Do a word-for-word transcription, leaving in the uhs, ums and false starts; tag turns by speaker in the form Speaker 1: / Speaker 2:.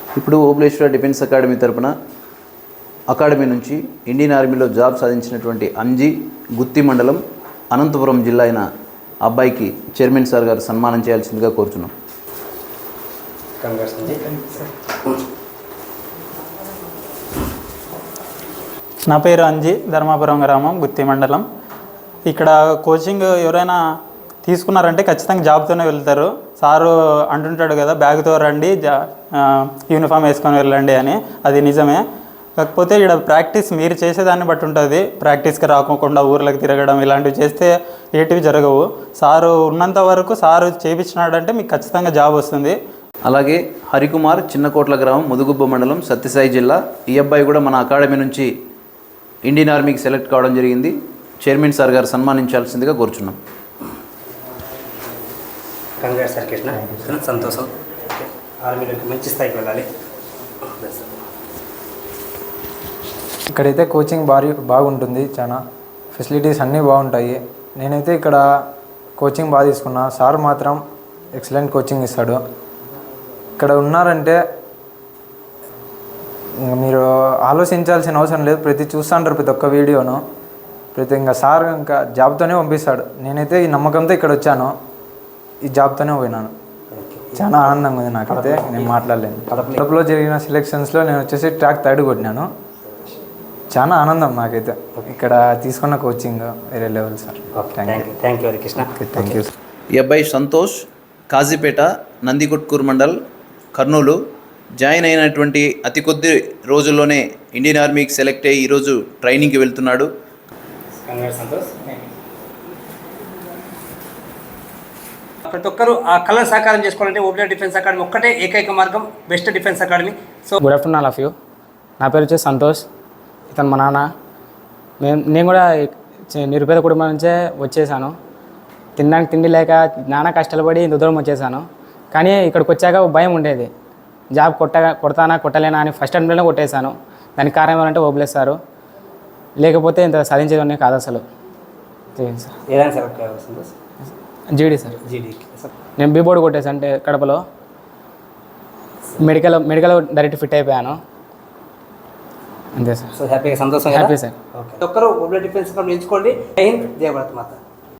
Speaker 1: ఇప్పుడు Obuleswara defence academy తరపున academy నుంచి ఇండియన్ ఆర్మీలో జాబ్ సాధించినటువంటి అంజీ గుత్తి మండలం అనంతపురం జిల్లా అయిన అబ్బాయికి చైర్మన్ సార్ గారు సన్మానం చేయాల్సిందిగా కోరుతున్నాం.
Speaker 2: నా పేరు అంజీ, ధర్మాపురం గ్రామం, గుత్తి మండలం. ఇక్కడ కోచింగ్ ఎవరైనా తీసుకున్నారంటే ఖచ్చితంగా జాబ్తోనే వెళ్తారు. సారు అంటుంటాడు కదా, బ్యాగ్తో రండి, జా యూనిఫామ్ వేసుకొని వెళ్ళండి అని. అది నిజమే. కాకపోతే ఇక్కడ ప్రాక్టీస్ మీరు చేసేదాన్ని బట్టి ఉంటుంది. ప్రాక్టీస్కి రాకోకుండా ఊర్లకు తిరగడం ఇలాంటివి చేస్తే ఏటివి జరగవు. సారు ఉన్నంత వరకు సారు చేయించినాడంటే మీకు ఖచ్చితంగా జాబ్ వస్తుంది.
Speaker 1: అలాగే హరికుమార్, చిన్నకోట్ల గ్రామం, ముదుగుబ్బ మండలం, సత్యసాయి జిల్లా. ఈ అబ్బాయి కూడా మన అకాడమీ నుంచి ఇండియన్ ఆర్మీకి సెలెక్ట్ కావడం జరిగింది. చైర్మన్ సార్ గారు సన్మానించాల్సిందిగా కోరుచున్నాం.
Speaker 3: కంగ్రాట్స్ సార్ కృష్ణ, సంతోషం. ఆర్మీలోకి మంచి స్థాయికి వెళ్ళాలి.
Speaker 4: ఇక్కడైతే కోచింగ్ భారీ బాగుంటుంది, చాలా ఫెసిలిటీస్ అన్నీ బాగుంటాయి. నేనైతే ఇక్కడ కోచింగ్ బాగా తీసుకున్నా. సార్ మాత్రం ఎక్సలెంట్ కోచింగ్ ఇస్తాడు. ఇక్కడ ఉన్నారంటే మీరు ఆలోచించాల్సిన అవసరం లేదు. ప్రతి చూస్తుంటారు ప్రతి ఒక్క వీడియోను. ప్రతి ఇంకా సార్ ఇంకా జాబ్తోనే పంపిస్తాడు. నేనైతే ఈ నమ్మకంతో ఇక్కడ వచ్చాను, ఈ జాబ్తోనే పోయినాను. చాలా ఆనందంగా ఉంది నాకైతే. నేను మాట్లాడలేను. కడపలో జరిగిన సెలెక్షన్స్లో నేను వచ్చేసి ట్రాక్ థర్డ్ కొట్టినాను. చాలా ఆనందం నాకైతే. ఇక్కడ తీసుకున్న కోచింగ్ వేరే level sir.
Speaker 3: Thank you thank you Harikrishna.
Speaker 4: Thank you.
Speaker 1: ఈ అబ్బాయి సంతోష్, కాజీపేట, నందికొట్కూరు మండల్, కర్నూలు. జాయిన్ అయినటువంటి అతి కొద్ది రోజుల్లోనే ఇండియన్ ఆర్మీకి సెలెక్ట్ అయ్యి ఈరోజు ట్రైనింగ్కి వెళ్తున్నాడు.
Speaker 3: సంతోష్. ప్రతి ఒక్కరు ఆ కళను సాకారం చేసుకోవాలంటే ఓబులేశ్వర డిఫెన్స్ అకాడమీ ఒక్కటే ఏకైక మార్గం, best defence academy. So
Speaker 5: good afternoon all of you. నా పేరు వచ్చేసి సంతోష్. ఇతను మా నాన్న. మేము నేను కూడా నిరుపేద కుటుంబం నుంచే వచ్చేసాను. తినడానికి తిండి లేక నాన్న కష్టాలు పడి ఇంత దూరం వచ్చేసాను. కానీ ఇక్కడికి వచ్చాక భయం ఉండేది, జాబ్ కొట్టగా కొడతానా కొట్టలేనా అని. ఫస్ట్ అటెంప్ట్లోనే కొట్టేశాను. దానికి కారణం ఏమంటే ఓబులేశ్వర్, లేకపోతే ఇంత సాధించేది కాదు అసలు. జీడీ సార్.
Speaker 3: జీడీ.
Speaker 5: నేను బీ బోర్డు కొట్టేసాను అంటే కడపలో. మెడికల్ మెడికల్ డైరెక్ట్ ఫిట్ అయిపోయాను. అంతే సార్.
Speaker 3: సో హ్యాపీగా సంతోషం.
Speaker 5: Happy sir.
Speaker 3: ఓకే. ఒక్కరు ఓబులేశ్వర డిఫెన్స్ అకాడమీ ఎంచుకోండి. జై హింద్, జై భారత్ మాత.